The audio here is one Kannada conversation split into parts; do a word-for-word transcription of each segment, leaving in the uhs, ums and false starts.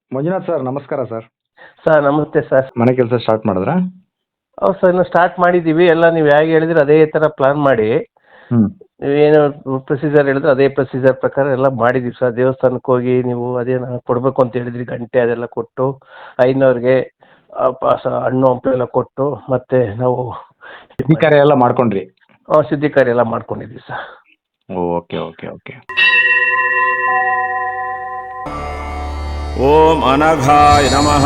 ಮಂಜುನಾಥ್ ಸರ್ ನಮಸ್ಕಾರ ಸರ್. ಸರ್ ನಮಸ್ತೆ ಸರ್. ಮನೆ ಕೆಲಸ ಸ್ಟಾರ್ಟ್ ಮಾಡಿದ್ರಾ? ಹೌದು ಸರ್, ಇನ್ನು ಸ್ಟಾರ್ಟ್ ಮಾಡಿದ್ದೀವಿ. ಎಲ್ಲ ನೀವು ಹೇಗೆ ಹೇಳಿದ್ರೆ ಅದೇ ಥರ ಪ್ಲಾನ್ ಮಾಡಿ, ಹ್ಮ್ ನೀವೇನು ಪ್ರೊಸೀಜರ್ ಹೇಳಿದ್ರೆ ಅದೇ ಪ್ರೊಸೀಜರ್ ಪ್ರಕಾರ ಎಲ್ಲ ಮಾಡಿದ್ದೀವಿ ಸರ್. ದೇವಸ್ಥಾನಕ್ಕೆ ಹೋಗಿ ನೀವು ಅದೇನು ಕೊಡಬೇಕು ಅಂತ ಹೇಳಿದ್ರಿ, ಗಂಟೆ ಅದೆಲ್ಲ ಕೊಟ್ಟು ಐನವ್ರಿಗೆ ಪಾಸ ಹಣ್ಣು ಹಂಪಲು ಎಲ್ಲ ಕೊಟ್ಟು ಮತ್ತೆ ನಾವು ಶುದ್ಧಿ ಕಾರ್ಯ ಎಲ್ಲ ಮಾಡ್ಕೊಂಡ್ರಿ? ಆ, ಶುದ್ಧಿ ಕಾರ್ಯ ಎಲ್ಲ ಮಾಡ್ಕೊಂಡಿದ್ದೀವಿ ಸರ್. Okay okay okay. ಓಂ ಅನಘಾಯ ನಮಃ.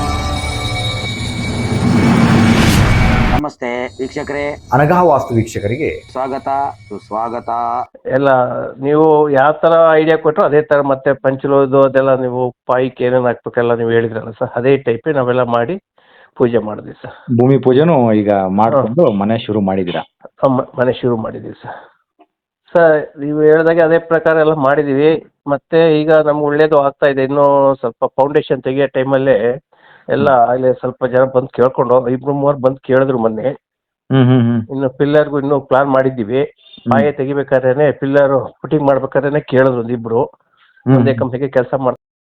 ನಮಸ್ತೆ ವೀಕ್ಷಕರೇ, ಅನಘಾ ವಾಸ್ತು ವೀಕ್ಷಕರಿಗೆ ಸ್ವಾಗತ ಸುಸ್ವಾಗತ. ಎಲ್ಲ ನೀವು ಯಾವ ಥರ ಐಡಿಯಾ ಕೊಟ್ಟರು ಅದೇ ಥರ ಮತ್ತೆ ಪಂಚಲೋದು ಅದೆಲ್ಲ ನೀವು ಪಾಯಿಗೆ ಏನೇನು ಹಾಕ್ಬೇಕೆಲ್ಲ ನೀವು ಹೇಳಿದ್ರಲ್ಲ ಸರ್, ಅದೇ ಟೈಪೇ ನಾವೆಲ್ಲ ಮಾಡಿ ಪೂಜೆ ಮಾಡಿದ್ವಿ ಸರ್. ಭೂಮಿ ಪೂಜೆನೂ ಈಗ ಮಾಡ್ಕೊಂಡು ಮನೆ ಶುರು ಮಾಡಿದ್ದೀರಾ? ಆ, ಮ- ಮನೆ ಶುರು ಮಾಡಿದ್ದೀವಿ ಸರ್. ಸರ್ ನೀವು ಹೇಳಿದಾಗೆ ಅದೇ ಪ್ರಕಾರ ಎಲ್ಲ ಮಾಡಿದ್ದೀವಿ. ಮತ್ತೆ ಈಗ ನಮ್ಗೆ ಒಳ್ಳೇದು ಆಗ್ತಾ ಇದೆ. ಇನ್ನೂ ಸ್ವಲ್ಪ ಫೌಂಡೇಶನ್ ತೆಗಿಯೋ ಟೈಮಲ್ಲೇ ಎಲ್ಲ ಅಲ್ಲಿ ಸ್ವಲ್ಪ ಜನ ಬಂದು ಕೇಳ್ಕೊಂಡು, ಇಬ್ರು ಮೂವರು ಬಂದು ಕೇಳಿದ್ರು ಮೊನ್ನೆ. ಹ್ಮ್ ಹ್ಮ್ ಹ್ಮ್ ಇನ್ನು ಪಿಲ್ಲರ್ಗೂ ಇನ್ನೂ ಪ್ಲಾನ್ ಮಾಡಿದ್ದೀವಿ. ಪಾಯ ತೆಗಿಬೇಕಾದ್ರೆ ಪಿಲ್ಲರ್ ಫುಟಿಂಗ್ ಮಾಡ್ಬೇಕಾದ್ರೆ ಕೇಳಿದ್ರು ಒಂದಿಬ್ರು. ಹ್ಮ್. ಒಂದೇ ಕಂಪ್ನಿಗೆ ಕೆಲಸ ಮಾಡ್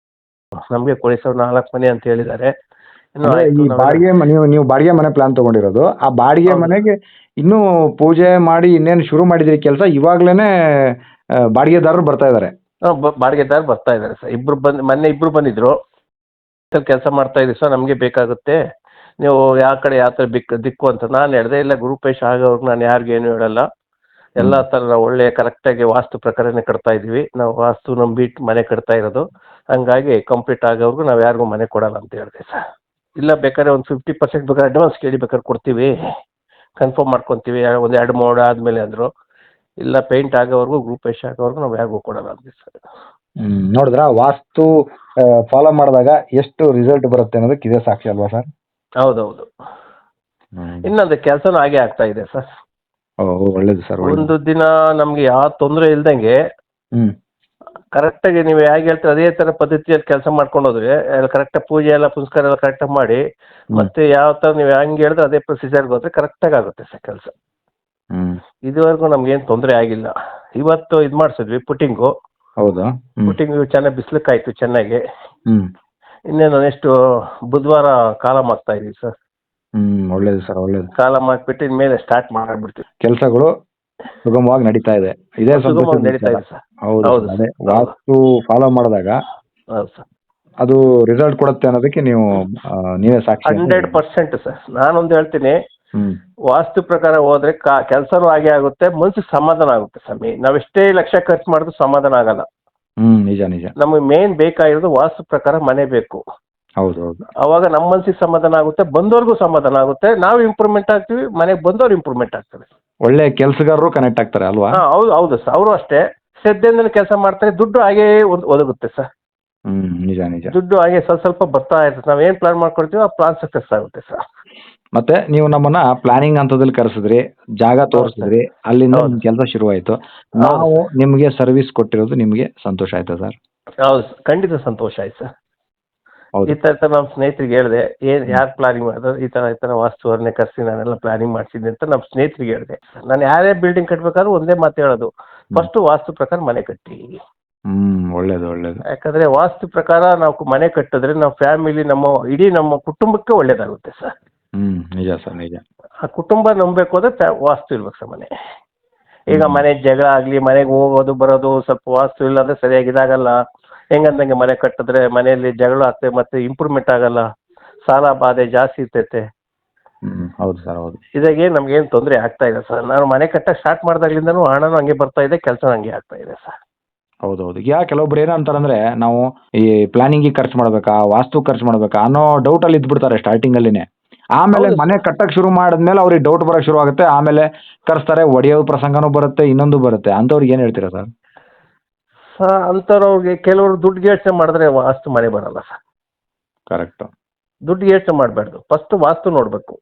ನಮಗೆ ಕೊಡಿ ಸರ್ ನಾಲ್ಕು ಮನೆ ಅಂತ ಹೇಳಿದ್ದಾರೆ. ಇನ್ನು ಅಂದ್ರೆ ಆಯ್ತು ಈ ನಾವೆಲ್ಲ- ಬಾಡಿಗೆ ಮನೆ, ನೀವು ನೀವು ಬಾಡಿಗೆ ಮನೆ ಪ್ಲಾನ್ ತಗೊಂಡಿರೋದು, ಆ ಬಾಡಿಗೆ ಹೌದು. ಮನೆಗೆ ಇನ್ನೂ ಪೂಜೆ ಮಾಡಿ ಇನ್ನೇನು ಶುರು ಮಾಡಿದಿರಿ ಕೆಲಸ? ಇವಾಗ್ಲೇನೆ ಆ, ಬಾಡಿಗೆದಾರರು ಬರ್ತಾ ಇದಾರೆ? ಹಾಂ, ಬಾಡಿಗೆದಾರ ಬರ್ತಾ ಇದ್ದಾರೆ ಸರ್. ಇಬ್ರು ಬಂದು ಮೊನ್ನೆ ಇಬ್ರು ಬಂದಿದ್ರು. ಕೆಲಸ ಮಾಡ್ತಾ ಇದ್ದೀವಿ ಸರ್, ನಮಗೆ ಬೇಕಾಗುತ್ತೆ, ನೀವು ಯಾವ ಕಡೆ ಯಾವ ಥರ ಬಿಕ್ ದಿಕ್ಕು ಅಂತ ನಾನು ಹೇಳಿದೆ. ಇಲ್ಲ ಗುರುಪೇಶ ಆಗೋರ್ಗೆ ನಾನು ಯಾರಿಗೂ ಏನು ಹೇಳಲ್ಲ, ಎಲ್ಲ ಥರ ನಾವು ಒಳ್ಳೆ ಕರೆಕ್ಟಾಗಿ ವಾಸ್ತು ಪ್ರಕಾರನೇ ಕಟ್ತಾ ಇದ್ದೀವಿ. ನಾವು ವಾಸ್ತು ನಂಬಿಟ್ಟು ಮನೆ ಕಟ್ತಾ ಇರೋದು, ಹಂಗಾಗಿ ಕಂಪ್ಲೀಟ್ ಆಗೋರ್ಗು ನಾವು ಯಾರಿಗೂ ಮನೆ ಕೊಡಲ್ಲ ಅಂತ ಹೇಳಿದೆ ಸರ್. ಇಲ್ಲ ಬೇಕಾದ್ರೆ ಒಂದು ಫಿಫ್ಟಿ ಪರ್ಸೆಂಟ್ ಬೇಕಾದ್ರೆ ಅಡ್ವಾನ್ಸ್ ಕೇಳಿ ಬೇಕಾದ್ರೆ ಕೊಡ್ತೀವಿ, ಕನ್ಫರ್ಮ್ ಮಾಡ್ಕೊತೀವಿ ಒಂದು ಎರಡು ಮೋಡ ಆದಮೇಲೆ ಅಂದರು. ಇಲ್ಲ ಪೇಂಟ್ ಆಗೋವರೆಗೂ ಗ್ರೂಪೇಶ್ ಆಗೋವರೆಗೂ ನಾವು ಯಾರಿಗೂ ಕೊಡಲ್ಲ ಅಂದ್ವಿ ಸರ್. ಹ್ಮ್ ನೋಡಿದ್ರ ವಾಸ್ತು ಫಾಲೋ ಮಾಡಿದಾಗ ಎಷ್ಟು ರಿಸಲ್ಟ್ ಬರುತ್ತೆ ಅನ್ನೋದಕ್ಕೆ ಇದೇ ಸಾಕ್ಷಿ ಅಲ್ವಾ ಸರ್? ಹೌದೌದು. ಇನ್ನೊಂದು ಕೆಲಸನೂ ಹಾಗೆ ಆಗ್ತಾ ಇದೆ ಸರ್. ಓ ಒಳ್ಳೇದು ಸರ್, ಒಳ್ಳೇದು. ಒಂದು ದಿನ ನಮ್ಗೆ ಯಾವ ತೊಂದರೆ ಇಲ್ದಂಗೆ ಹ್ಮ್ ಕರೆಕ್ಟಾಗಿ ನೀವು ಹೇಗೆ ಹೇಳ್ತೀರ ಅದೇ ಥರ ಪದ್ಧತಿಯಲ್ಲಿ ಕೆಲಸ ಮಾಡ್ಕೊಂಡು ಹೋದ್ರೆ ಕರೆಕ್ಟಾಗಿ ಪೂಜೆ ಎಲ್ಲ ಪುನಸ್ಕಾರ ಎಲ್ಲ ಕರೆಕ್ಟಾಗಿ ಮಾಡಿ, ಮತ್ತೆ ಯಾವ ಥರ ನೀವು ಹೆಂಗೆ ಹೇಳಿದ್ರೆ ಅದೇ ಪ್ರೊಸೀಜರ್ಗೆ ಹೋದ್ರೆ ಕರೆಕ್ಟಾಗಿ ಆಗುತ್ತೆ ಸರ್ ಕೆಲಸ. ಹ್ಮ್ ಇದುವರೆಗೂ ನಮ್ಗೇನು ತೊಂದರೆ ಆಗಿಲ್ಲ. ಇವತ್ತು ಇದು ಮಾಡಿಸಿದ್ವಿ ಪುಟ್ಟಿಂಗು. ಹೌದಾ? ಹ್ಮ್ ಪುಟ್ಟಿಂಗು ಚೆನ್ನಾಗಿ ಬಿಸಿಲಕ್ಕಾಯ್ತು ಚೆನ್ನಾಗಿ. ಹ್ಮ್ ಇನ್ನೇನು ನೆಕ್ಸ್ಟ್ ಬುಧವಾರ ಕಾಲಮ್ ಹಾಕ್ತಾ ಇದೀವಿ ಸರ್. ಹ್ಮ್ ಒಳ್ಳೇದು ಸರ್, ಒಳ್ಳೇದು. ಕಾಲಮ್ ಹಾಕ್ಬಿಟ್ಟು ಇನ್ಮೇಲೆ ಸ್ಟಾರ್ಟ್ ಮಾಡಿಬಿಡ್ತೀವಿ. ಕೆಲಸಗಳು ಸುಗಮವಾಗಿ ನಡೀತಾ ಇದೆ. ಇದೇ ಸಂತೋಷದ ಸುಗಮವಾಗಿ ನಡೀತಾ ವಿಚಾರ. ಇದೆ ಸರ್. ಹೌದು ಹೌದು ಸರ್, ಅದೇ ಸರ್. ವಾಸ್ತು ಫಾಲೋ ಮಾಡಿದಾಗ ಹೌದು ಸರ್, ಅದು ರಿಸಲ್ಟ್ ಕೊಡುತ್ತೆ ಅನ್ನೋದಕ್ಕೆ ನೀವು ಆ, ನೀವೇ ಸಾಕ್ಷಿ ಅಂತ ಹಂಡ್ರೆಡ್ ಹೇಳಿ. Percent sir. ನಾನೊಂದು ಹೇಳ್ತೀನಿ, ಹ್ಮ್ ವಾಸ್ತು ಪ್ರಕಾರ ಹೋದ್ರೆ ಕಾ ಕೆಲಸನೂ ಹಾಗೆ ಆಗುತ್ತೆ, ಮನ್ಸಿಗೆ ಸಮಾಧಾನ ಆಗುತ್ತೆ ಸ್ವಾಮಿ. ನಾವೆಷ್ಟೇ ಲಕ್ಷ ಖರ್ಚು ಮಾಡಿದ್ರು ಸಮಾಧಾನ ಆಗಲ್ಲ. ಹ್ಮ್ ನಿಜ ನಿಜ. ನಮಗೆ ಮೇನ್ ಬೇಕಾಗಿರೋದು ವಾಸ್ತು ಪ್ರಕಾರ ಮನೆ ಬೇಕು. ಹೌದು ಹೌದು. ಅವಾಗ ನಮ್ಮ ಮನ್ಸಿಗೆ ಸಮಾಧಾನ ಆಗುತ್ತೆ, ಬಂದವ್ರಿಗೂ ಸಮಾಧಾನ ಆಗುತ್ತೆ, ನಾವು ಇಂಪ್ರೂವ್ಮೆಂಟ್ ಆಗ್ತೀವಿ, ಮನೆಗೆ ಬಂದವ್ರು ಇಂಪ್ರೂವ್ಮೆಂಟ್ ಆಗ್ತಾರೆ. ಒಳ್ಳೆ ಕೆಲಸಗಾರರು ಕನೆಕ್ಟ್ ಆಗ್ತಾರೆ ಅಲ್ವಾ? ಹಾಂ ಹೌದು ಹೌದು ಸರ್. ಅವರು ಅಷ್ಟೇ ಶ್ರದ್ಧೆಯಿಂದ ಕೆಲಸ ಮಾಡ್ತಾರೆ, ದುಡ್ಡು ಹಾಗೇ ಒಂದು ಒದಗುತ್ತೆ ಸರ್. ಹ್ಮ್ ನಿಜ ನಿಜ. ದುಡ್ಡು ಹಾಗೆ ಸ್ವಲ್ಪ ಸ್ವಲ್ಪ ಬರ್ತಾ ಇರ್ತದೆ. ನಾವು ಏನು ಪ್ಲಾನ್ ಮಾಡ್ಕೊಳ್ತೀವಿ ಆ ಪ್ಲಾನ್ ಸಕ್ಸಸ್ ಆಗುತ್ತೆ ಸರ್. ಮತ್ತೆ ನೀವು ನಮ್ಮನ್ನ ಪ್ಲಾನಿಂಗ್ ಹಂತದಲ್ಲಿ ಕರೆಸಿದ್ರಿ, ಜಾಗ ತೋರಿಸಿದ್ರಿ, ಅಲ್ಲಿಂದ ಹೌದು. ನಿಮ್ ಕೆಲಸ ಶುರುವಾಯ್ತು. ನಾವು ನಿಮ್ಗೆ ಸರ್ವಿಸ್ ಕೊಟ್ಟಿರೋದು ನಿಮ್ಗೆ ಸಂತೋಷ ಆಯ್ತಾ ಸರ್? ಹೌದು ಸರ್, ಖಂಡಿತ ಸಂತೋಷ ಆಯ್ತು ಸರ್. ಹೌದು. ಈ ಥರ ನಮ್ಮ ಸ್ನೇಹಿತರಿಗೆ ಹೇಳಿದೆ, ಏನು ಯಾರು ಪ್ಲಾನಿಂಗ್ ಮಾಡಿದ್ರು ಈ ಥರ ಈ ಥರ ವಾಸ್ತುವನ್ನೇ ಕರೆಸಿ ನಾನೆಲ್ಲ ಪ್ಲಾನಿಂಗ್ ಮಾಡಿಸಿದ್ದೆ ಅಂತ ನಮ್ಮ ಸ್ನೇಹಿತರಿಗೆ ಹೇಳಿದೆ. ನಾನು ಯಾರೇ ಬಿಲ್ಡಿಂಗ್ ಕಟ್ಟಬೇಕಾದ್ರೂ ಒಂದೇ ಮಾತು ಹೇಳೋದು, ಫಸ್ಟು ವಾಸ್ತು ಪ್ರಕಾರ ಮನೆ ಕಟ್ಟಿ. ಹ್ಮ್ ಒಳ್ಳೇದು ಒಳ್ಳೇದು. ಯಾಕಂದರೆ ವಾಸ್ತು ಪ್ರಕಾರ ನಾವು ಮನೆ ಕಟ್ಟಿದ್ರೆ ನಮ್ಮ ಫ್ಯಾಮಿಲಿ, ನಮ್ಮ ಇಡೀ ನಮ್ಮ ಕುಟುಂಬಕ್ಕೆ ಒಳ್ಳೇದಾಗುತ್ತೆ ಸರ್. ಹ್ಮ್ ನಿಜ ಸರ್, ನಿಜ. ಆ ಕುಟುಂಬ ನಂಬಬೇಕು ಅಂದರೆ ಫ್ಯಾ ವಾಸ್ತು ಇರ್ಬೇಕು ಸರ್ ಮನೆ. ಈಗ ಮನೆ ಜಗಳ ಆಗಲಿ, ಮನೆಗೆ ಹೋಗೋದು ಬರೋದು ಸ್ವಲ್ಪ ವಾಸ್ತು ಇಲ್ಲ ಅಂದರೆ ಸರಿಯಾಗಿ ಇದಾಗಲ್ಲ. ಹೆಂಗಂದಂಗೆ ಮನೆ ಕಟ್ಟಿದ್ರೆ ಮನೆಯಲ್ಲಿ ಜಗಳ ಆಗ್ತದೆ, ಮತ್ತೆ ಇಂಪ್ರೂವ್ಮೆಂಟ್ ಆಗಲ್ಲ, ಸಾಲ ಬಾಧೆ ಜಾಸ್ತಿ ಇರ್ತೈತೆ. ಹ್ಮ್ ಹೌದು ಸರ್, ಹೌದು. ಇದಾಗೆ ನಮ್ಗೇನು ತೊಂದರೆ ಆಗ್ತಾ ಇದೆ ಸರ್. ನಾನು ಮನೆ ಕಟ್ಟಕ್ಕೆ ಸ್ಟಾರ್ಟ್ ಮಾಡಿದಾಗ್ಲಿಂದನೂ ಹಣನೂ ಹಂಗೆ ಬರ್ತಾ ಇದೆ, ಕೆಲಸ ಹಂಗೆ ಆಗ್ತಾ ಇದೆ ಸರ್. ಹೌದೌದು. ಈಗ ಕೆಲವೊಬ್ರು ಏನಂತಾರಂದ್ರೆ, ನಾವು ಈ ಪ್ಲಾನಿಂಗಿಗೆ ಖರ್ಚು ಮಾಡ್ಬೇಕಾ, ವಾಸ್ತು ಖರ್ಚು ಮಾಡ್ಬೇಕಾ ಅನ್ನೋ ಡೌಟ್ ಅಲ್ಲಿ ಇದ್ಬಿಡ್ತಾರೆ ಸ್ಟಾರ್ಟಿಂಗ್ ಅಲ್ಲಿನೇ. ಆಮೇಲೆ ಹೌದು ಮನೆ ಕಟ್ಟಕ್ ಶುರು ಮಾಡಿದ್ಮೇಲೆ ಅವ್ರಿಗೆ ಡೌಟ್ ಬರಕ್ ಶುರು ಆಗುತ್ತೆ. ಆಮೇಲೆ ಕರೆಸ್ತಾರೆ, ಒಡೆಯೋ ಪ್ರಸಂಗನೂ ಬರುತ್ತೆ, ಇನ್ನೊಂದು ಬರುತ್ತೆ. ಅಂತವ್ರಿಗೆ ಏನ್ ಹೇಳ್ತೀರಾ ಸರ್? ಸರ್ ಅಂಥವ್ರಿಗೆ ಕೆಲವರು ದುಡ್ಡು ಯೋಚನೆ ಮಾಡಿದ್ರೆ ವಾಸ್ತು ಮನೆ ಬರಲ್ಲ ಸರ್. ಕರೆಕ್ಟ್. ದುಡ್ಡು ಯೋಚನೆ ಮಾಡಬಾರ್ದು, ಫಸ್ಟ್ ವಾಸ್ತು ನೋಡಬೇಕು.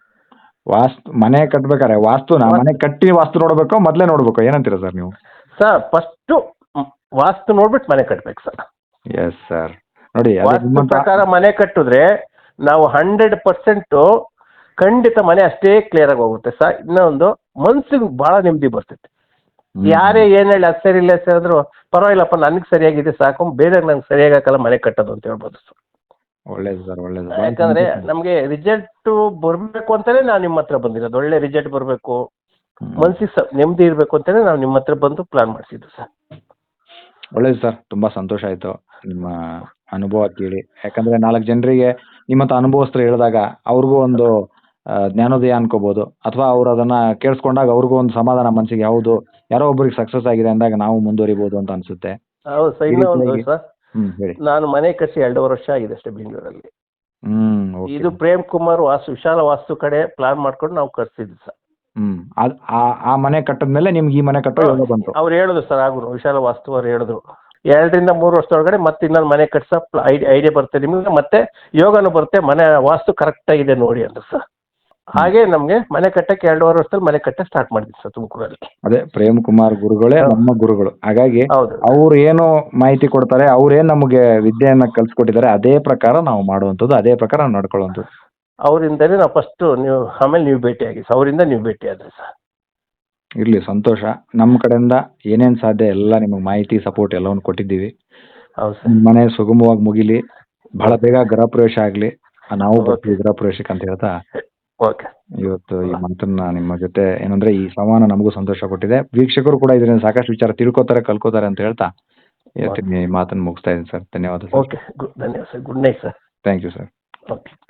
ವಾಸ್ತು ಮನೆ ಕಟ್ಬೇಕಾರೆ ವಾಸ್ತುನ ಮನೆ ಕಟ್ಟಿ ವಾಸ್ತು ನೋಡ್ಬೇಕು, ಮೊದ್ಲೇ ನೋಡ್ಬೇಕು, ಏನಂತೀರಾ ಸರ್ ನೀವು? ಸರ್ ಫಸ್ಟು ವಾಸ್ತು ನೋಡ್ಬಿಟ್ಟು ಮನೆ ಕಟ್ಬೇಕು ಸರ್. Yes sir. ನೋಡಿ, ಅದೇ ವಾಸ್ತು ನಿಮ್ಮಂತ- ಪ್ರಕಾರ ಮನೆ ಕಟ್ಟಿದ್ರೆ ನಾವು ಹಂಡ್ರೆಡ್ ಪರ್ಸೆಂಟು ಖಂಡಿತ ಮನೆ ಅಷ್ಟೇ ಕ್ಲಿಯರ್ ಆಗಿ ಹೋಗುತ್ತೆ ಸರ್. ಇನ್ನೊಂದು ಮನ್ಸಿಗೆ ಭಾಳ ನೆಮ್ಮದಿ ಬರ್ತೈತೆ. ಯಾರೇ ಏನ್ ಹೇಳಿ ಅದು ಸರಿ ಇಲ್ಲ ಸರ್ ಅಂದ್ರು ಪರವಾಗಿಲ್ಲಪ್ಪ ನನಗೆ ಸರಿಯಾಗಿದೆ ಸಾಕು ಬೇರೆ ನಂಗೆ ಸರಿಯಾಗಿ ಹಾಕಲ್ಲ ಮನೆ ಕಟ್ಟೋದು ಅಂತ ಹೇಳ್ಬೋದು ಸರ್. ಒಳ್ಳೇದು ಸರ್ ಒಳ್ಳೇದು. ಯಾಕಂದ್ರೆ ನಮ್ಗೆ ರಿಸಲ್ಟ್ ಬರ್ಬೇಕು ಅಂತಾನೆ ನಾವು ನಿಮ್ಮ ಹತ್ರ ಬಂದಿರೋದು. ಒಳ್ಳೆ ರಿಸಲ್ಟ್ ಬರ್ಬೇಕು, ಮನ್ಸಿಗೆ ಸ ನೆಮ್ಮದಿ ಇರ್ಬೇಕು ಅಂತಾನೆ ನಾವು ನಿಮ್ಮ ಹತ್ರ ಬಂದು ಪ್ಲಾನ್ ಮಾಡಿಸಿದ್ದು ಸರ್. ಒಳ್ಳೇದು ಸರ್, ತುಂಬಾ ಸಂತೋಷ ಆಯ್ತು ನಿಮ್ಮ ಅನುಭವ ಕೇಳಿ. ಯಾಕಂದ್ರೆ ನಾಲ್ಕು ಜನರಿಗೆ ನಿಮ್ಮಂತ ಅನುಭವಸ್ಥರು ಹೇಳಿದಾಗ ಅವ್ರಿಗೂ ಒಂದು ಆ, ಜ್ಞಾನೋದಯ ಅನ್ಕೋಬಹುದು, ಅಥವಾ ಅವ್ರು ಅದನ್ನ ಕೇಳಿಸ್ಕೊಂಡಾಗ ಅವ್ರಿಗೂ ಒಂದು ಸಮಾಧಾನ ಮನಸ್ಸಿಗೆ, ಹೌದು ಯಾರೋ ಒಬ್ಬರಿಗೆ ಸಕ್ಸಸ್ ಆಗಿದೆ ಅಂದಾಗ ನಾವು ಮುಂದುವರಿಬಹುದು ಅಂತ ಅನ್ಸುತ್ತೆ. ಹೌದು ಸರ್. ಇನ್ನೂ ಒಂದು ಸರ್, ಹ್ಮ್ ಹೇಳಿ. ನಾನು ಮನೆ ಕಟ್ಸಿ ಎರಡೂವರೆ ವರ್ಷ ಆಗಿದೆ ಅಷ್ಟೇ ಬೆಂಗಳೂರಲ್ಲಿ. ಹ್ಮ್ okay. ಇದು ಪ್ರೇಮ್ ಕುಮಾರ್ ವಾಸ್ತು ವಿಶಾಲ ವಾಸ್ತು ಕಡೆ ಪ್ಲಾನ್ ಮಾಡ್ಕೊಂಡು ನಾವು ಕಟ್ಸಿದ್ವಿ ಸರ್. ಹ್ಮ್ ಅದ್ ಆ- ಆ ಮನೆ ಕಟ್ಟದ್ಮೇಲೆ ನಿಮ್ಗೆ ಈ ಮನೆ ಕಟ್ಟೋ ಯೋಗ ಬಂತು. ಅವ್ರು ಹೇಳಿದ್ರು ಸರ್, ಆಗುರು ವಿಶಾಲ ವಾಸ್ತು ಅವ್ರು ಹೇಳಿದ್ರು ಎರಡರಿಂದ ಮೂರು ವರ್ಷದೊಳಗಡೆ ಮತ್ತೆ ಇನ್ನೊಂದು ಮನೆ ಕಟ್ಸ ಐಡಿಯಾ ಬರುತ್ತೆ ನಿಮಗೆ, ಮತ್ತೆ ಯೋಗನೂ ಬರುತ್ತೆ, ಮನೆ ವಾಸ್ತು ಕರೆಕ್ಟ್ ಆಗಿದೆ ನೋಡಿ ಅಂತ ಸರ್. ಹಾಗೆ ನಮ್ಗೆ ಮನೆ ಕಟ್ಟಕ್ಕೆ ಎರಡೂವರೆ ವರ್ಷದಲ್ಲಿ ಮನೆ ಕಟ್ಟಕ್ಕೆ ಸ್ಟಾರ್ಟ್ ಮಾಡಿದ್ವಿ ಸರ್ ತುಮಕೂರಲ್ಲಿ. ಅದೇ ಪ್ರೇಮ್ ಕುಮಾರ್ ಗುರುಗಳೇ ನಮ್ಮ ಗುರುಗಳು. ಹಾಗಾಗಿ ಹೌದು ಅವ್ರು ಏನು ಮಾಹಿತಿ ಕೊಡ್ತಾರೆ, ಅವ್ರೇನ್ ನಮಗೆ ವಿದ್ಯೆಯನ್ನ ಕಲ್ಸ್ಕೊಟ್ಟಿದ್ದಾರೆ ಅದೇ ಪ್ರಕಾರ ನಾವು ಮಾಡುವಂಥದ್ದು, ಅದೇ ಪ್ರಕಾರ ನಾವು ನಡ್ಕೊಳ್ಳುವಂಥದ್ದು. ಅವರಿಂದನೇ ನಾವು ಫಸ್ಟ್ ನೀವು ಆಮೇಲೆ ನೀವು ಭೇಟಿ ಆಗಿ ಸರ್, ಅವರಿಂದ ನೀವು ಭೇಟಿ ಆದ್ರಿ ಸರ್. ಇರ್ಲಿ, ಸಂತೋಷ. ನಮ್ಮ ಕಡೆಯಿಂದ ಏನೇನ್ ಸಾಧ್ಯ ಎಲ್ಲ ನಿಮಗೆ ಮಾಹಿತಿ ಸಪೋರ್ಟ್ ಎಲ್ಲವನ್ನು ಕೊಟ್ಟಿದ್ದೀವಿ. ಹೌದು ಸರ್. ನಿಮ್ ಮನೆ ಸುಗಮವಾಗಿ ಮುಗಿಲಿ, ಬಹಳ ಬೇಗ ಗೃಹ ಪ್ರವೇಶ ಆಗ್ಲಿ, ನಾವು ಬರ್ತೀವಿ ಗೃಹ ಪ್ರವೇಶಕ್ಕೆ ಅಂತ ಹೇಳ್ತಾ ಓಕೆ. ಇವತ್ತು ಈ ಮಾತನ್ನ ನಿಮ್ಮ ಜೊತೆ ಏನಂದ್ರೆ ಈ ಸಂವಾದ ನಮಗೂ ಸಂತೋಷ ಕೊಟ್ಟಿದೆ. ವೀಕ್ಷಕರು ಕೂಡ ಇದರಿಂದ ಸಾಕಷ್ಟು ವಿಚಾರ ತಿಳ್ಕೊತಾರೆ, ಕಲ್ಕೋತಾರೆ ಅಂತ ಹೇಳ್ತಾ ಇವತ್ತಿನ ಈ ಮಾತನ್ನು ಮುಗಿಸ್ತಾ ಇದ್ದೀನಿ ಸರ್. ಧನ್ಯವಾದ ಸರ್. ಓಕೆ, ಗುಡ್ ಧನ್ಯವಾದ sir. Good night sir. Thank you sir. Okay.